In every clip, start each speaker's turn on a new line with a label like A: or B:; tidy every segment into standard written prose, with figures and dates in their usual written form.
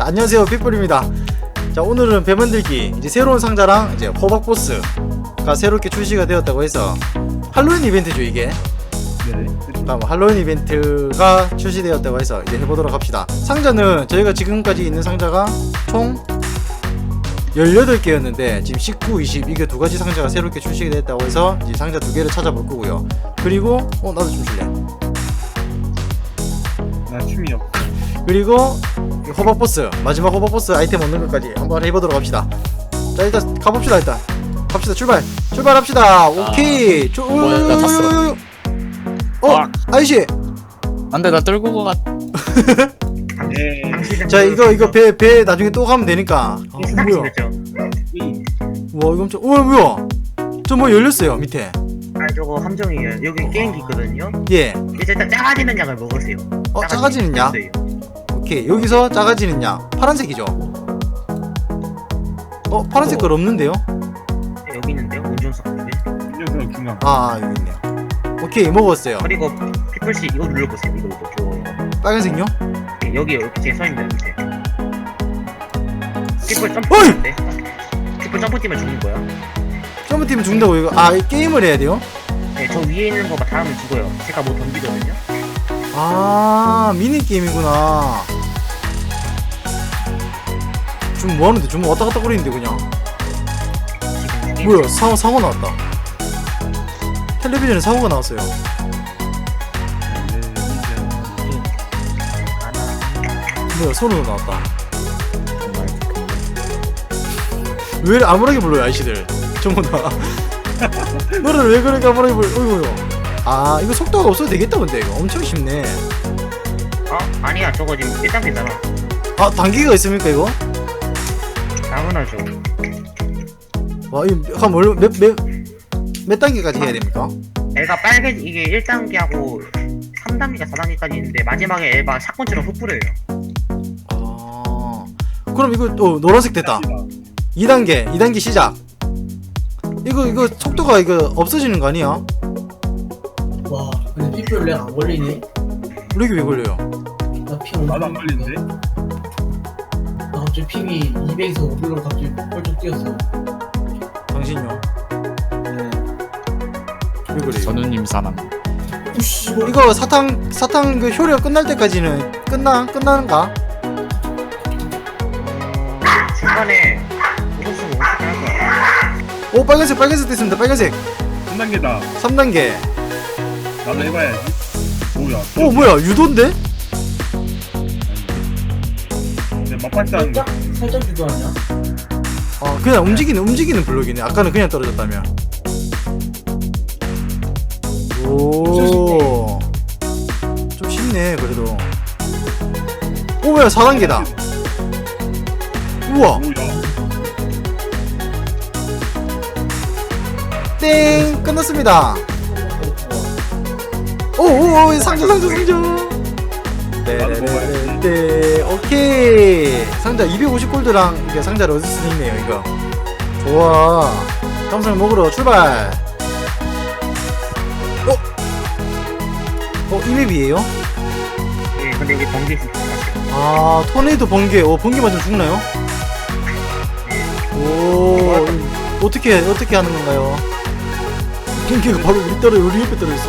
A: 자, 안녕하세요, 픽불입니다. 자, 오늘은 배 만들기 이제 새로운 상자랑 이제 호박보스가 새롭게 출시가 되었다고 해서 할로윈 이벤트죠 이게.
B: 네.
A: 할로윈 이벤트가 출시되었다고 해서 이제 해보도록 합시다. 상자는 저희가 지금까지 있는 상자가 총 18개였는데 지금 19, 20 이게 두 가지 상자가 새롭게 출시가 됐다고 해서 이제 상자 두 개를 찾아볼 거고요. 그리고 나도 좀 줄래.
B: 나 춤이 없.
A: 그리고 호박보스 마지막 호박보스 아이템 얻는 것까지 한번 해보도록 합시다. 자, 일단 가봅시다. 일단 갑시다. 출발합시다. 오케이.
C: 뭐야, 나 탔어.
A: 아이씨.
C: 안돼, 나 떨고 가.
B: 네.
A: 자, 이거 배 나중에 또 가면 되니까. 뭐야? 와, 이거 엄청. 뭐야? 저 뭐 열렸어요 밑에.
D: 저거 함정이에요. 여기 게임기 있거든요.
A: 예.
D: 이제 일단 작아지는 약을 먹으세요.
A: 작아지는 약?
D: 있어요.
A: 오케이. 여기서 작아지는 약. 파란색이죠? 파란색 걸 없는데요?
D: 네, 여기 있는데요. 운전석 쪽에.
B: 운전석 중간.
A: 아, 여기 있네요. 오케이, 먹었어요.
D: 그리고 피플씨 이거 눌러보세요. 이거
A: 빨간색요?
D: 네, 여기 이렇게 제 서있는데 밑에. 피플 점프
A: 어이!
D: 뛰는데. 피플 점프 뛰면 죽는 거야.
A: 점프팀 죽는다고 이거. 아, 게임을 해야 돼요?
D: 네, 저 위에 있는 거 닿으면 죽어요. 제가 뭐 던지거든요.
A: 아, 미니게임이구나. 지금 뭐하는데? 지금 왔다 갔다 거리는데 그냥.
D: 지금 게임
A: 뭐야, 사고 나왔다. 텔레비전에 사고가 나왔어요. 뭐야, 소리가 나왔다. 왜 이렇게 암울하게 불러요 아이씨들 전부 다. 노래를 왜 그렇게 암울하게 불러. 어이구요. 아, 이거 속도가 없어도 되겠다. 근데 이거 엄청 쉽네.
D: 아니야. 저거 지금 1단계잖아.
A: 아, 단계가 있습니까 이거?
D: 당연하죠.
A: 와, 이거 한 몇 단계까지 해야 됩니까?
D: 애가 빨개 이게 1단계하고 3단계가 4단계까지 있는데 마지막에 애가 샷건처럼 흩뿌려요.
A: 아, 그럼 이거 노란색 됐다. 2단계 시작. 이거 속도가 이거 없어지는 거 아니야?
E: 와, 근데 피플 렉안 걸리네.
A: 렉이 왜 걸려요?
E: 나피
B: 나도 안 걸리는데?
E: 나 갑자기 핑이 200에서 500로 갑자기 펄쩍 뛰었어.
A: 당신요?
E: 네.
A: 왜 그래요?
C: 전우님 사람.
E: 우씨,
A: 이거 사탕 그 효력 끝날 때까지는 끝나는가?
D: 중간에 무슨 어떻게 할 거야?
A: 빨간색 됐습니다. 빨간색
B: 3단계다.
A: 3단계.
B: 나도 해봐야지. 뭐야?
A: 뭐야, 유도인데?
B: 내 맛봤지 않은 거.
E: 살짝 유도 아니야?
A: 아, 그냥 움직이는 블록이네. 아까는 그냥 떨어졌다며. 오, 좀 쉽네 그래도. 뭐야, 4단계다. 우와,
B: 뭐야?
A: 땡, 끝났습니다. 상자. 네, 오케이. 상자 250골드랑 이게 상자를 얻을 수 있네요 이거. 좋아. 탐상 먹으러 출발. 이 맵이에요?
D: 예, 근데 여기 번개 있으면 조심하세요.
A: 아, 토네이도 번개. 번개 맞으면 죽나요? 오, 어떻게 하는 건가요? 번개가 바로 우리 옆에 떨어졌어.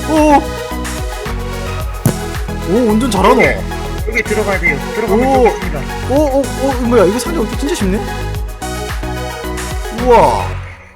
A: 오, 운전 잘하노.
D: 여기 들어가야 돼요. 들어가면 좋겠습니다.
A: 뭐야, 이거 상자 이렇게 진짜 쉽네? 우와.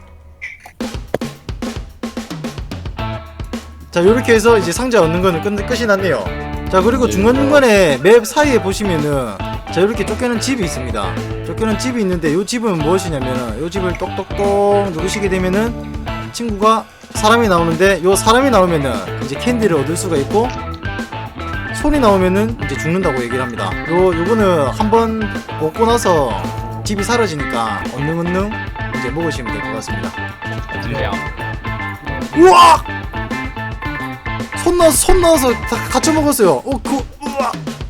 A: 자, 요렇게 해서 이제 상자 얻는 거는 끝이 났네요. 자, 그리고 중간중간에 맵 사이에 보시면은 자, 이렇게 쫓겨는 집이 있습니다. 쫓겨는 집이 있는데 요 집은 무엇이냐면은 요 집을 똑똑똑 누르시게 되면은 친구가 사람이 나오는데 요 사람이 나오면은 이제 캔디를 얻을 수가 있고 손이 나오면은 이제 죽는다고 얘기를 합니다. 요거는 한번 먹고 나서 집이 사라지니까 얼른 이제 먹으시면 될 것 같습니다. 우와! 손 넣어서 다 같이 먹었어요. 우와!